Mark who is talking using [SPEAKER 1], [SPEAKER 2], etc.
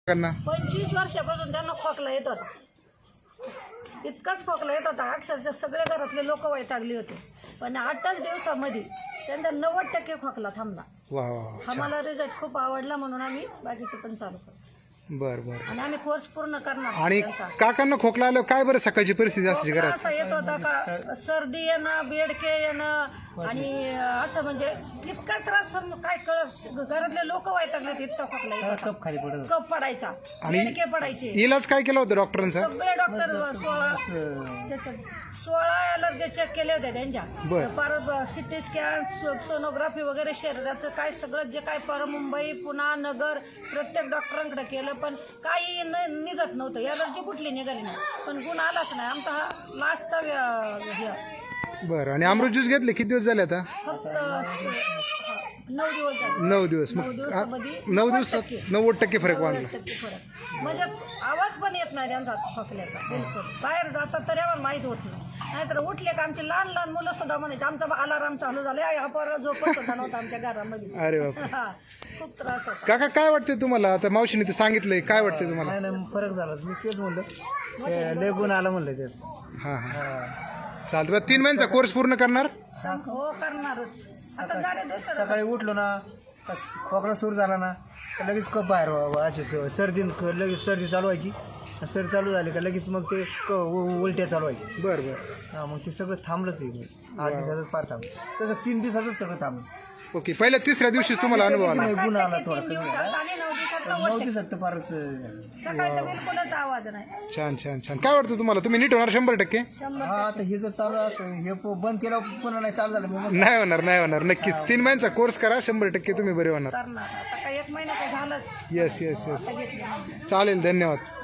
[SPEAKER 1] 25 वर्षापासून त्यांना खोकला येत होता, इतकाच खोकला येत होता अक्षरशः सगळे घरातले लोक वैतागली होते. पण 8च दिवसामध्ये त्यांचा 90% खोकला थांबला. आम्हाला रिझल्ट खूप आवडला म्हणून आम्ही बाकीचे पण चालू करतो.
[SPEAKER 2] बर बर.
[SPEAKER 1] आणि आम्ही कोर्स पूर्ण करणार.
[SPEAKER 2] आणि काकांना खोकला आल्यावर काय बरं सकाळची परिस्थिती असते घरात?
[SPEAKER 1] असं येत होता का सर्दी येणं, बेडके येणं आणि असं म्हणजे इतका त्रास काय कळत, घरातले लोक वैतागले इतका खोकला,
[SPEAKER 3] कप खाली पडत,
[SPEAKER 1] कप पडायचा, बेडके पडायचे.
[SPEAKER 2] इलाज काय केला होता डॉक्टरांचा?
[SPEAKER 1] सगळे डॉक्टर 16 अलर्जी चेक केले होते त्यांच्या. परत सिटी स्कॅन, सोनोग्राफी वगैरे शरीराचं काय सगळं जे काय मुंबई, पुणा, नगर प्रत्येक डॉक्टरांकडे केलं, पण काही निघत नव्हतं. अलर्जी कुठली निघाली नाही, पण गुण आलाच नाही. आमचा हा लास्टचा.
[SPEAKER 2] बरं. आणि अमृत ज्यूस घेतले किती दिवस झाले आता?
[SPEAKER 1] फक्त 9 दिवस झाले.
[SPEAKER 2] 9 दिवस. मग 9 दिवसात 90% फरक वाढला.
[SPEAKER 1] म्हणजे आवाज पण येत नाही त्यांचा खोकल्याचा बिलकुल. बाहेर जातात तरी आम्हाला माहीत होत नाही. नाहीतर उठले का आमची लहान लहान मुलं सुद्धा म्हणायचे आमचा अलाराम चालू झाला, हा पोरगा झोपत होता नव्हता आमच्या घरामध्ये.
[SPEAKER 2] अरे बाप.
[SPEAKER 1] खूप त्रास होता.
[SPEAKER 2] काका काय वाटतंय तुम्हाला? आता मावशीने ते सांगितलंय, काय वाटतंय तुम्हाला?
[SPEAKER 3] नाही फरक झाला. मी तेच म्हणलं, लय गुण आला म्हणलं तेच.
[SPEAKER 2] हा हा चालतं. 3 महिन्याचा कोर्स पूर्ण करणार?
[SPEAKER 1] हो करणारच. आता झाले दुसरं.
[SPEAKER 3] सकाळी उठलो ना, खोकला सुरू झाला ना, लगेच कप बाहेर व्हावा. अशी सर्दी, लगेच सर्दी चालू व्हायची. सर्दी चालू झाली का लगेच मग ते उलट्या चालू व्हायची.
[SPEAKER 2] बरं बरं.
[SPEAKER 3] हा, मग ते सगळं थांबलंच आहे. 8 दिवसातच फार थांबलं. तसं 3 दिवसातच सगळं थांबलं.
[SPEAKER 2] ओके. पहिल्या 3ऱ्या दिवशी तुम्हाला अनुभव आला?
[SPEAKER 3] गुण आला थोडा.
[SPEAKER 1] 3 दिवसात आणि 9 दिवसात
[SPEAKER 3] 9 दिवसात तर फारच.
[SPEAKER 1] सकाळचा बिलकुलच आवाज नाही.
[SPEAKER 2] छान छान छान. काय वाटतं तुम्हाला? तुम्ही नीट होणार 100%?
[SPEAKER 3] हा, आता हे जर चालू असं हे बंद केलं पुन्हा नाही चालू झालं
[SPEAKER 2] नाही होणार, नाही होणार. नक्कीच 3 महिन्याचा कोर्स करा, 100% तुम्ही बरे होणार.
[SPEAKER 1] करणार. आता काही 1 महिना काय झालंच.
[SPEAKER 2] Yes yes yes. चालेल. धन्यवाद.